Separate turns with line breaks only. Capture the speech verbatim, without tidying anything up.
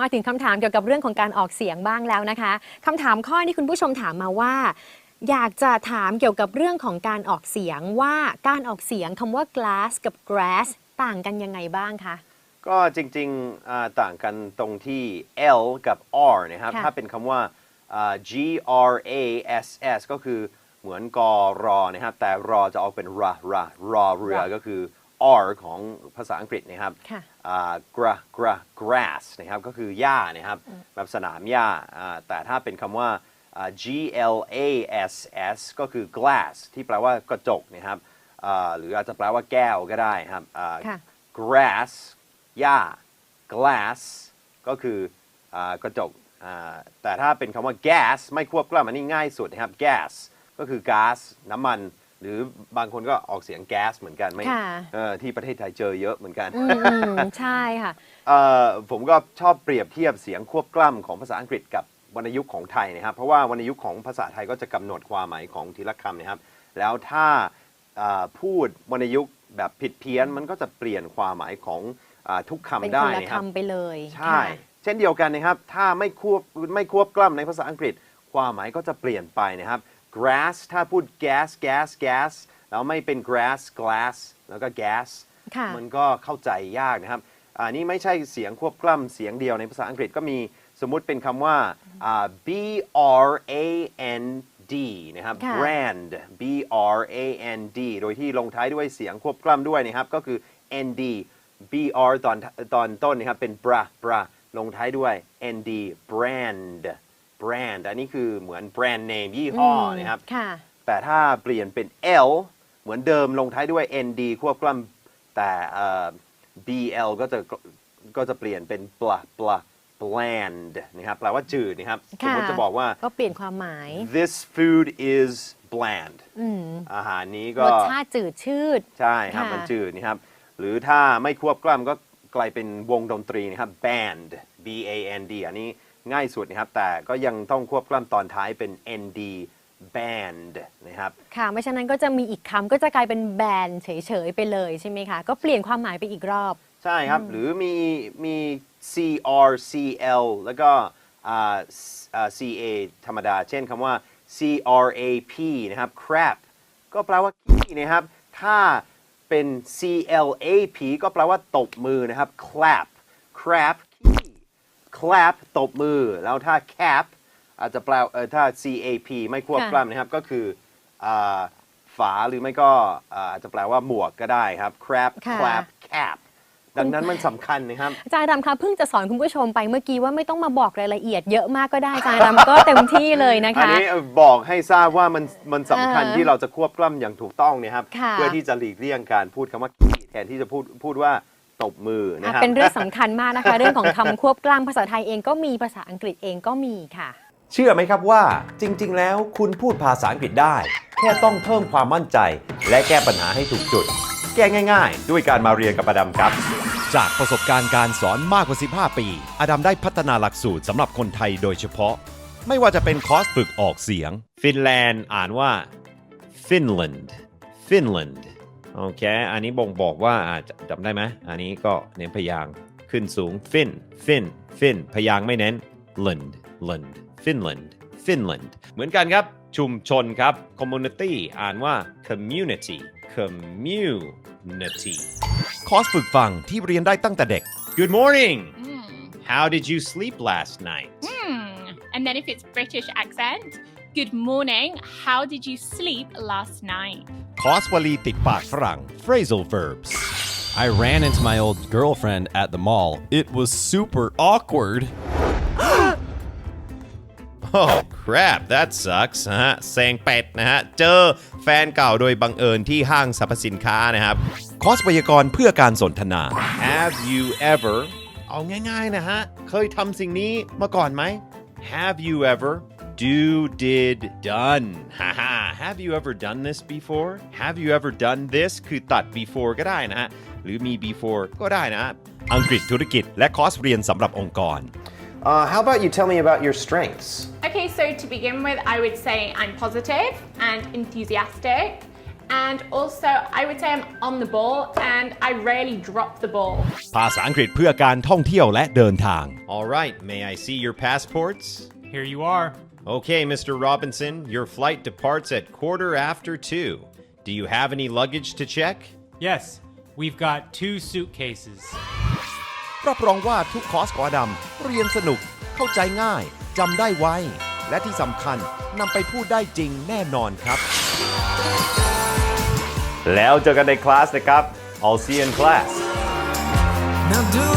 มาถึงคำถามเกี่ยวกับเรื่องของการออกเสียงบ้างแล้วนะคะคำถามข้อนี้คุณผู้ชมถามมาว่าอยากจะถามเกี่ยวกับเรื่องของการออกเสียงว่าการออกเสียงคำว่า glass กับ grass ต่างกันยังไงบ้างคะ
ก็จริงๆต่างกันตรงที่ L กับ R นะครับถ้าเป็นคำว่า G R A S S ก็คือเหมือนกอรอนะครับแต่รอจะออกเป็นรารารอเรือก็คือ R ของภาษาอังกฤษนะครับกระกระ grass นะครับก็คือหญ้านะครับแบบสนามหญ้าแต่ถ้าเป็นคำว่า G L A S S ก็คือ glass ที่แปลว่ากระจกนะครับหรืออาจจะแปลว่าแก้วก็ได้ครับ grass หญ้า glass ก็คือกระจกแต่ถ้าเป็นคำว่า gas ไม่ควบกล้ำอันนี้ง่ายสุดนะครับ gas ก็คือก๊าซน้ำมันหรือบางคนก็ออกเสียงแก๊สเหมือนกันไม่ที่ประเทศไทยเจอเยอะเหมือนกัน
ใช่ค่ะ
ผมก็ชอบเปรียบเทียบเสียงควบกล้ำของภาษาอังกฤษกับวรรณยุกต์ของไทยนะครับเพราะว่าวรรณยุกต์ของภาษาไทยก็จะกำหนดความหมายของทีละคำนะครับแล้วถ้าพูดวรรณยุกต์แบบผิดเพี้ยนมันก็จะเปลี่ยนความหมายของทุกคำได้นะครับ
เป็นคนละคำไปเลย
ใช่เช่นเดียวกันนะครับถ้าไม่ควบไม่ควบกล้ำในภาษาอังกฤษความหมายก็จะเปลี่ยนไปนะครับ grass ถ้าพูด gas gas gas แล้วไม่เป็น grass glass แล้วก็ gas มันก็เข้าใจยากนะครับอันนี้ไม่ใช่เสียงควบกล้ำเสียงเดียวในภาษาอังกฤษก็มีสมมุติเป็นคำว่า B R A N D นะครับ brand B R A N D โดยที่ลงท้ายด้วยเสียงควบกล้ำด้วยนะครับก็คือ N D B R ตอนตอนต้นนะครับเป็น bra bra ลงท้ายด้วย N D brand brand อันนี้คือเหมือนแบรนด์เนมยี่ห้อนะครับแต่ถ้าเปลี่ยนเป็น L เหมือนเดิมลงท้ายด้วย N D ควบกล้ำแต่ B L ก็จะก็จะเปลี่ยนเป็น bla bla bland นะครับแปลว่าจืดนะครับสมมติจะบอกว่า
ก็เปลี่ยนความหมาย
this food is bland อาหารนี้ก็
รสชาติจืดชืด
ใช่ครับมันจืดนะครับหรือถ้าไม่ควบกล้ำก็กลายเป็นวงดนตรีนะครับ band B A N D อันนี้ง่ายสุดนะครับแต่ก็ยังต้องควบกล้ำตอนท้ายเป็น N D band นะครับ
ค่ะไม่ฉะนั้นก็จะมีอีกคำก็จะกลายเป็นแบนเฉยๆไปเลยใช่ไหมคะก็เปลี่ยนความหมายไปอีกรอบ
ใช่ครับหรือมีมี C R C L แล้วก็ C A ธรรมดาเช่นคำว่า C R A P นะครับ crap ก็แปลว่าขี้นะครับถ้าเป็น C L A P ก็แปลว่าตบมือนะครับ clap crap ขี้ clap ตบมือแล้วถ้า cap อาจจะแปลเออถ้า C A P ไม่ควบกล้ำนะครับก็คือฝาหรือไม่ก็อาจจะแปลว่าหมวกก็ได้ครับ crap clap capดังนั้นมันสำคัญนะครับ
อาจารย์รำคะเพิ่งจะสอนคุณผู้ชมไปเมื่อกี้ว่าไม่ต้องมาบอกรายละเอียดเยอะมากก็ได้อาจารย์รำก็เต็มที่เลยนะคะอัน
นี้บอกให้ทราบว่ามันมันสำคัญที่เราจะควบกล้ำอย่างถูกต้องนะครับเพื่อที่จะหลีกเลี่ยงการพูดคำว่าขี้แทนที่จะพูดพูดว่าตบมือนะครับ
เป็นเรื่องสำคัญมากนะคะเรื่องของคำควบกล้ำภาษาไทยเองก็มีภาษาอังกฤษเองก็มีค่ะ
เชื่อไหมครับว่าจริงๆแล้วคุณพูดภาษาอังกฤษได้แค่ต้องเพิ่มความมั่นใจและแก้ปัญหาให้ถูกจุดแก้ง่ายๆด้วยการมาเรียนกับอดัมครับ
จากประสบการณ์การสอนมากกว่าสิบห้าปีอดัมได้พัฒนาหลักสูตรสำหรับคนไทยโดยเฉพาะไม่ว่าจะเป็นคอร์สฝึกออกเสียง
ฟินแลนด์อ่านว่า Finland Finland โอเคอันนี้บ่งบอกว่าจำได้ไหมอันนี้ก็เน้นพยางค์ขึ้นสูง Fin Fin Fin พยางค์ไม่เน้น Land Land Finland Finland เหมือนกันครับชุมชนครับ community อ่านว่า community community
คอร์สฝึกฟังที่เรียนได้ตั้งแต่เด็ก
Good morning How did you sleep last night
And then if it's British accent Good morning How did you sleep last night
คอร์สวลีติดปากฝรั่ง phrasal verbs
I ran into my old girlfriend at the mall It was super awkward
Oh crap that sucks นะฮะแซงเป็ดนะฮะเจอแฟนเก่าโดยบังเอิญที่ห้างสรรพสินค้านะครับ
คอร์สไวยากรณ์เพื่อการสนทนา
Have you ever เอาง่ายๆนะฮะเคยทำสิ่งนี้มาก่อนไหม Have you ever do did done ฮ่าฮ่า Have you ever done this before Have you ever done this คือตัด before ก็ได้นะฮะหรือมี before ก็ได้นะ
อังกฤษธุรกิจและคอร์สเรียนสำหรับองค์กร
Uh, how about you tell me about your strengths?
Okay, so to begin with, I would say I'm positive and enthusiastic And also, I would say I'm on the ball and I rarely drop the ball.
ภาษาอังกฤษเพื่อการท่องเที่ยวและเดินทาง
All right, may I see your passports?
Here you are.
Okay, Mister Robinson, your flight departs at quarter after two. Do you have any luggage to check?
Yes, we've got two suitcases.
รับรองว่าทุกคอร์สของอดัมเรียนสนุกเข้าใจง่ายจำได้ไวและที่สำคัญนำไปพูดได้จริงแน่นอนครับ
แล้วเจอกันในคลาสนะครับ I'll see you in class.
Now do